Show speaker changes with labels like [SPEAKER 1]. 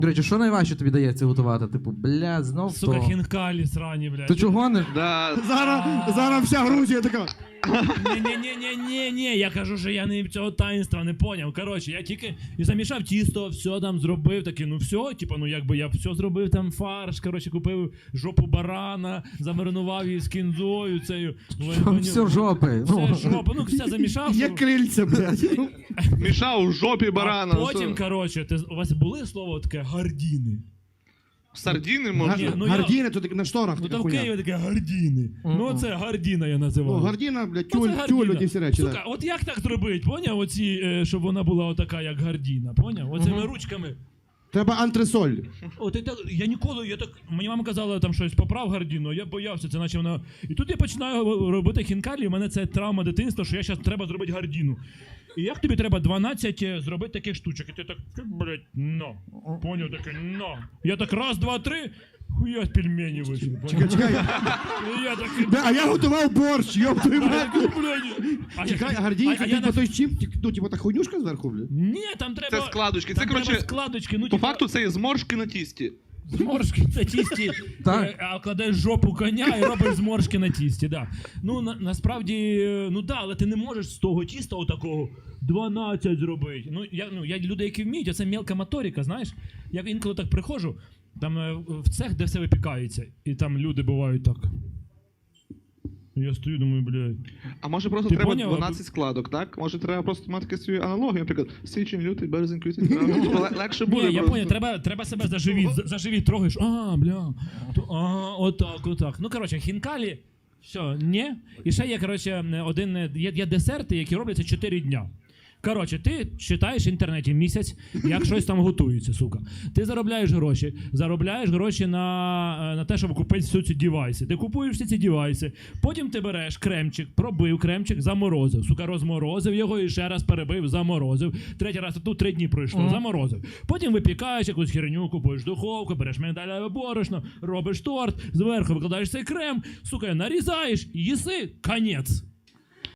[SPEAKER 1] До речі, що найважче тобі дається готувати? Типу, бля, знов
[SPEAKER 2] Сука,
[SPEAKER 1] то.
[SPEAKER 2] хінкалі срані, блядь.
[SPEAKER 1] Ти чого не?
[SPEAKER 3] Да.
[SPEAKER 4] Зараз вся Грузія така.
[SPEAKER 2] Ні, я кажу, що я не цього таїнства не поняв. Коротше, я тільки замішав тісто, все там зробив, таке, ну все, типу, ну якби я все зробив, там фарш, коротше, купив жопу барана, замаринував її з кінзою, цею.
[SPEAKER 1] Все жопи.
[SPEAKER 2] Все жопа, ну все замішав.
[SPEAKER 4] Є крильця, блядь.
[SPEAKER 3] Мішав у жопі барана.
[SPEAKER 2] А потім, коротше, у вас були слово таке гардіни?
[SPEAKER 3] Сардіни можна?
[SPEAKER 2] ну
[SPEAKER 4] Гардіни, то таки на шторах
[SPEAKER 2] Ну
[SPEAKER 4] така
[SPEAKER 2] там в
[SPEAKER 4] хуйня.
[SPEAKER 2] Києві таке гардіни. Ну це гардіна я називаю.
[SPEAKER 4] Ну, гардіна, блядь,
[SPEAKER 2] Ну, це
[SPEAKER 4] тюль,
[SPEAKER 2] гардіна.
[SPEAKER 4] ті всі речі.
[SPEAKER 2] Сука,
[SPEAKER 4] так.
[SPEAKER 2] от як так зробити, поняв? Оці, щоб вона була отака, як гардіна, поняв? Оцими ручками.
[SPEAKER 4] Треба антресоль.
[SPEAKER 2] От і так, я ніколи, я так, мені мама казала там щось, поправ гардіну, я боявся, це наче вона... І тут я починаю робити хінкалі, і в мене це травма дитинства, що я зараз треба зробити гардіну. І як тобі треба 12 зробити таких штучок? І ти так, блядь, но. Поняв, таке, но. Я так раз, два, три, хуя пельмені вийшли.
[SPEAKER 4] Чекай.
[SPEAKER 2] І я такий,
[SPEAKER 4] А я готував борщ, йоп твою мать.
[SPEAKER 2] блядь.
[SPEAKER 4] Чекай, гардінка,
[SPEAKER 2] а я
[SPEAKER 4] типу той чіп, ну, типу та хуйнюшка зверху, блядь.
[SPEAKER 2] Ні, там треба...
[SPEAKER 3] Це складочки. Це,
[SPEAKER 2] Там треба
[SPEAKER 3] коротше,
[SPEAKER 2] складочки, ну,
[SPEAKER 3] по факту це є зморшки на тісті.
[SPEAKER 2] Зморшки це тісті,
[SPEAKER 1] Так.
[SPEAKER 2] а кладеш жопу коня і робиш зморшки на тісті, да. Ну, насправді, ну да, але ти не можеш з того тіста отакого 12 зробити. Ну, я люди, які вміють, а це мелка моторика, знаєш. Я інколи так приходжу, там в цех, де все випікається, і там люди бувають так. Я стою, думаю, блядь.
[SPEAKER 3] А може просто
[SPEAKER 2] Ти
[SPEAKER 3] треба
[SPEAKER 2] поняв?
[SPEAKER 3] 12 складок, так? Може треба просто мати свою аналогію, наприклад, січень, лютий, березень, квітень, травень. Типу, легше буде
[SPEAKER 2] Ні, я
[SPEAKER 3] просто.
[SPEAKER 2] поняв, треба себе за живіт трогаєш, бля, отак. Ну, коротше, хінкалі, все, ні. І ще є, коротше, є десерти, які робляться 4 дня. Коротше, ти читаєш в інтернеті місяць, як щось там готується, сука. Ти заробляєш гроші на те, щоб купити всі ці девайси. Ти купуєш всі ці девайси, потім ти береш кремчик, пробив кремчик, заморозив. Сука, розморозив його і ще раз перебив, заморозив. Третій раз, тут 3 дні пройшло, заморозив. Потім випікаєш якусь херню, купуєш духовку, береш мигдалеве борошно, робиш торт, зверху викладаєш цей крем, сука, нарізаєш, їси, конець.